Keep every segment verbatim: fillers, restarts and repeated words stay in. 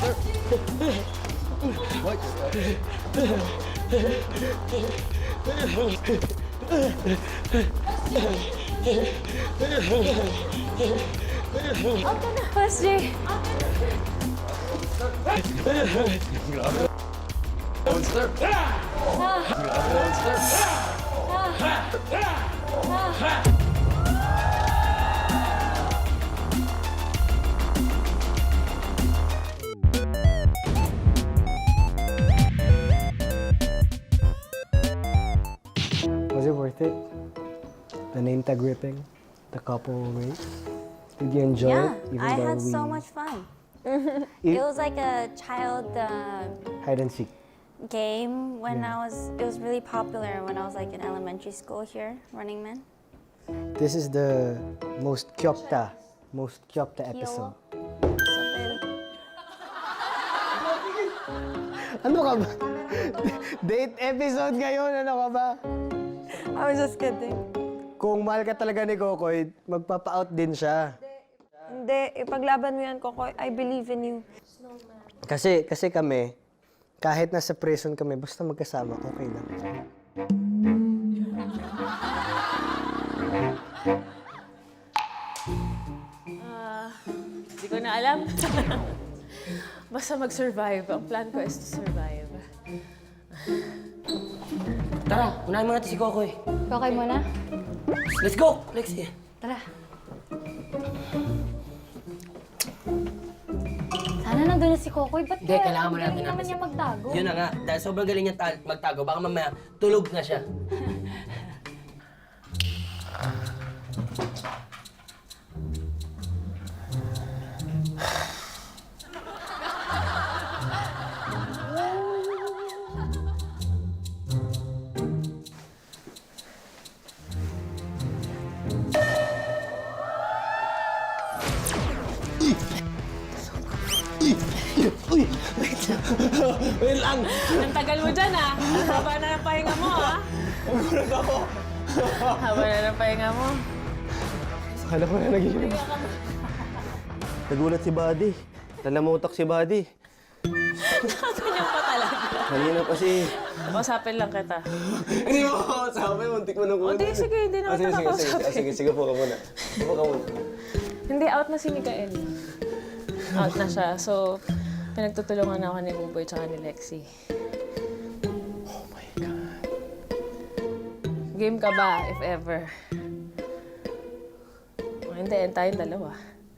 Okay na. Boss J. Monster! Monster! Was it worth it? The name tag ripping? The couple race? Did you enjoy Yeah, it? Even I though had we so much fun. It- It was like a child uh, hide and seek. game when Yeah. I was, it was really popular when I was like in elementary school here, Running Man. This is the most kyopta, most kyopta episode. Something. Ano ka ba? Date episode ngayon, ano ka ba? I was just kidding. Kung mahal ka talaga ni Kokoy, magpapa-out din siya. Hindi, ipaglaban mo yan, Kokoy. I believe in you. Kasi, kasi kami, kahit nasa prison kami, basta magkasama, okay lang. Hindi ko na alam. Basta mag-survive. Ang plan ko is to survive. Tara, unahin mo natin si Kokoy. Okay muna? Let's go, Lexie. Tara. Sana nandun na si Kokoy. Ba't Hindi, kailangan mo natin galing naman natin niya si- magtago? Yun na nga, dahil sobrang galing niya ta- magtago, baka mamaya tulog na siya. Wait lang! Ang tagal mo dyan, ah. Haba na ng pahinga mo, ah. Nagulat ako! Haba na ng pahinga mo. Akala ko na nagiginig. Nagulat si Buddy. Nalamutak si Buddy. Ganyan pa talaga. Kanina pa si... Kausapin lang kita. Hindi mo ako sabi, muntik mo nang kunin. Hindi, sige, hindi naman Ah, sige, kita sige, sige, kausapin. Ah, sige, sige po ka muna. Po ka muna. Hindi, out na si Mikael. Out na siya. So, pinagtutulungan ako ni Buboy tsaka ni Lexie. Oh my God. Game ka ba, if ever? O, hindi, end tayong dalawa.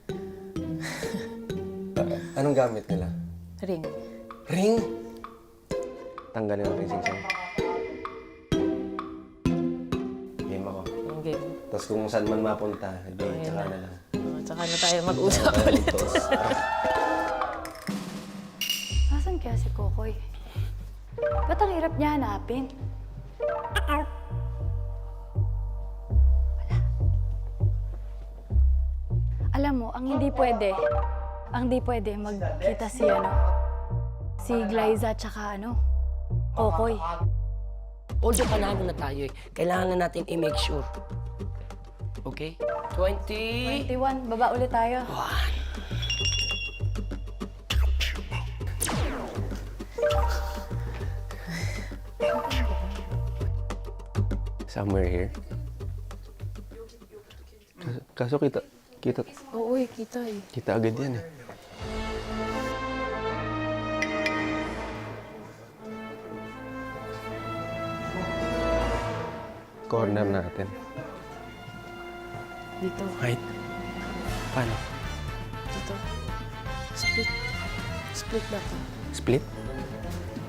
Ah, anong gamit nila? Ring. Ring? Tanggalin ang ring sing Game ako. Yung game. Tapos kung saan man mapunta, hindi, Ayun tsaka na. na lang. O, tsaka na tayo mag-usap ulit. Tos. Nasaan kaya si Kokoy? Ba't ang hirap niya hanapin? Wala. Alam mo, ang hindi pwede, ang hindi pwede magkita si ano, si Glyza tsaka ano, Kokoy. Although panalo na tayo eh, kailangan na natin i-make sure. Okay? twenty... twenty-one, baba ulit tayo. Somewhere here. Kaso, kaso kita, kita, Oo, eh, kita eh. kita agad yan eh. Corner natin. Dito, Right. Paano? dito. Split. Split na to. Split?